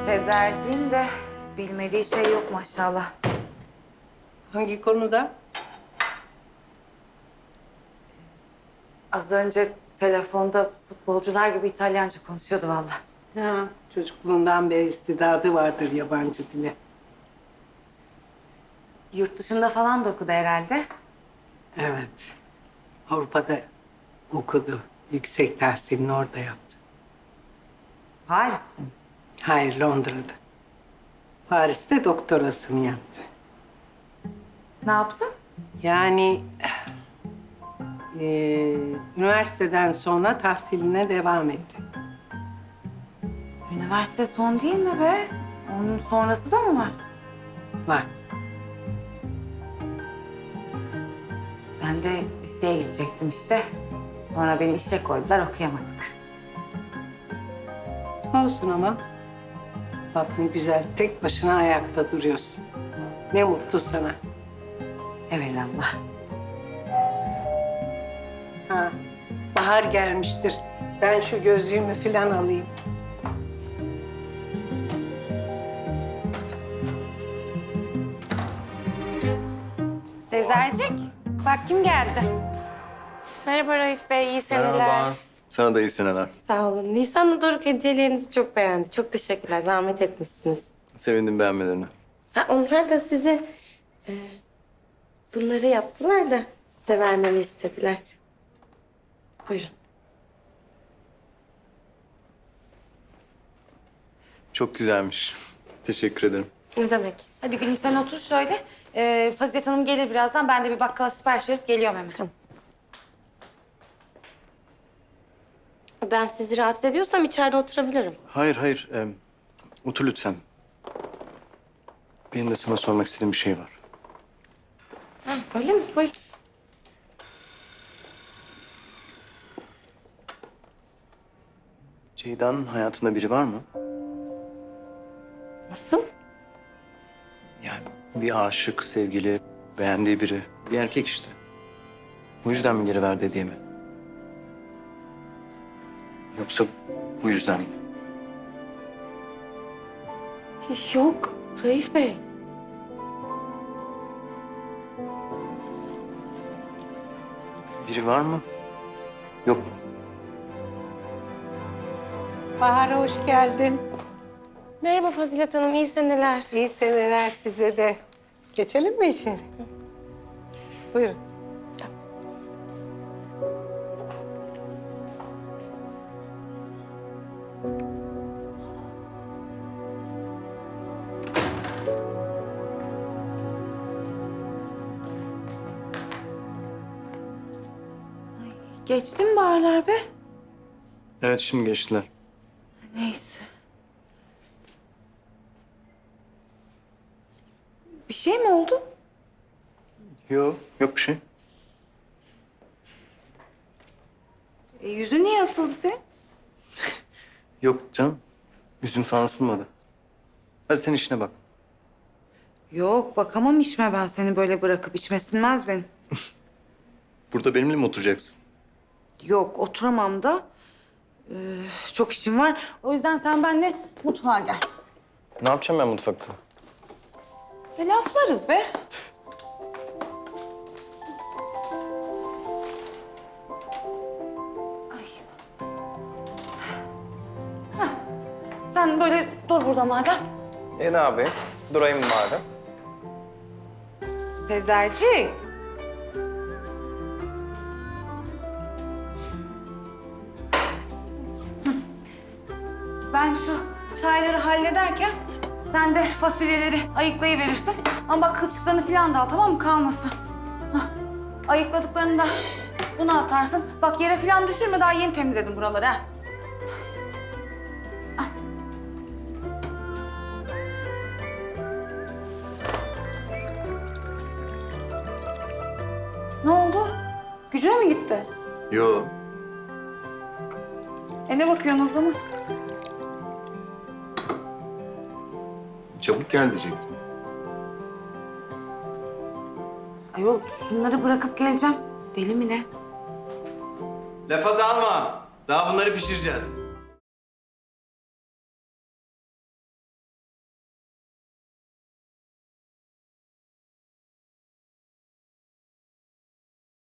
Sezerciğin de bilmediği şey yok maşallah. Hangi konuda? Az önce telefonda futbolcular gibi İtalyanca konuşuyordu vallahi. Ha, çocukluğundan beri istidadı vardır yabancı dile. Yurt dışında falan da okudu herhalde. Evet. Avrupa'da okudu. Yüksek tahsilini orada yaptı. Paris'te mi? Hayır, Londra'da. Paris'te doktorasını yaptı. Ne yaptı? Yani üniversiteden sonra tahsiline devam etti. Üniversite son değil mi be? Onun sonrası da mı var? Var. Ben de liseye gidecektim işte. Sonra beni işe koydular, okuyamadık. Olsun ama. Bak ne güzel, tek başına ayakta duruyorsun. Ne mutlu sana. Evelallah. Ha, bahar gelmiştir. Ben şu gözlüğümü falan alayım. Sezercik, bak kim geldi? Merhaba Raif Bey, iyi seneler. Merhaba. Sana da iyi seneler. Sağ olun. Nisan'la Doruk hediyelerinizi çok beğendi. Çok teşekkürler, zahmet etmişsiniz. Sevindim beğenmelerine. Ha, onlar da size bunları yaptılar da size vermemi istediler. Buyurun. Çok güzelmiş. Teşekkür ederim. Ne demek? Hadi Gülüm sen otur şöyle. Fazilet Hanım gelir birazdan. Ben de bir bakkala sipariş verip geliyorum hemen. Tamam. Ben sizi rahatsız ediyorsam içeride oturabilirim. Hayır, hayır. Otur lütfen. Benim de sana sormak istediğim bir şey var. Ha, öyle mi? Buyurun. Ceyda'nın hayatında biri var mı? Nasıl? Yani bir aşık, sevgili, beğendiği biri. Bir erkek işte. Bu yüzden mi geri verdi hediye mi? Yoksa bu yüzden mi? Yok Raif Bey. Biri var mı? Yok mu? Bahar'a hoş geldin. Merhaba Fazilet Hanım, iyi seneler. İyi seneler size de. Geçelim mi içeri? Buyurun. Geçti mi baharlar be? Evet, şimdi geçtiler. Neyse. Bir şey mi oldu? Yok, yok bir şey. Yüzün niye asıldı senin? Yok canım. Yüzüm falan ısınmadı. Hadi sen işine bak. Yok bakamam içme ben seni böyle bırakıp içme sinmez benim. Burada benimle mi oturacaksın? Yok oturamam da. Çok işim var. O yüzden sen benimle mutfağa gel. Ne yapacağım ben mutfakta? Laflarız be. Ay. Hah. Sen böyle dur burada madem. Ne yapayım? Durayım madem. Sezercik. Ben şu çayları hallederken sen de fasulyeleri ayıklayıverirsin. Ama bak kılçıklarını falan da al tamam mı? Kalmasın. Hah. Ayıkladıklarını da buna atarsın. Bak yere falan düşürme daha yeni temizledim buraları ha. Al. Ne oldu? Gücüne mi gitti? Yo. Ne bakıyorsun o zaman? Çabuk gel diyecektim. Ayol şunları bırakıp geleceğim. Deli mi ne? Lafa dalma. Daha bunları pişireceğiz.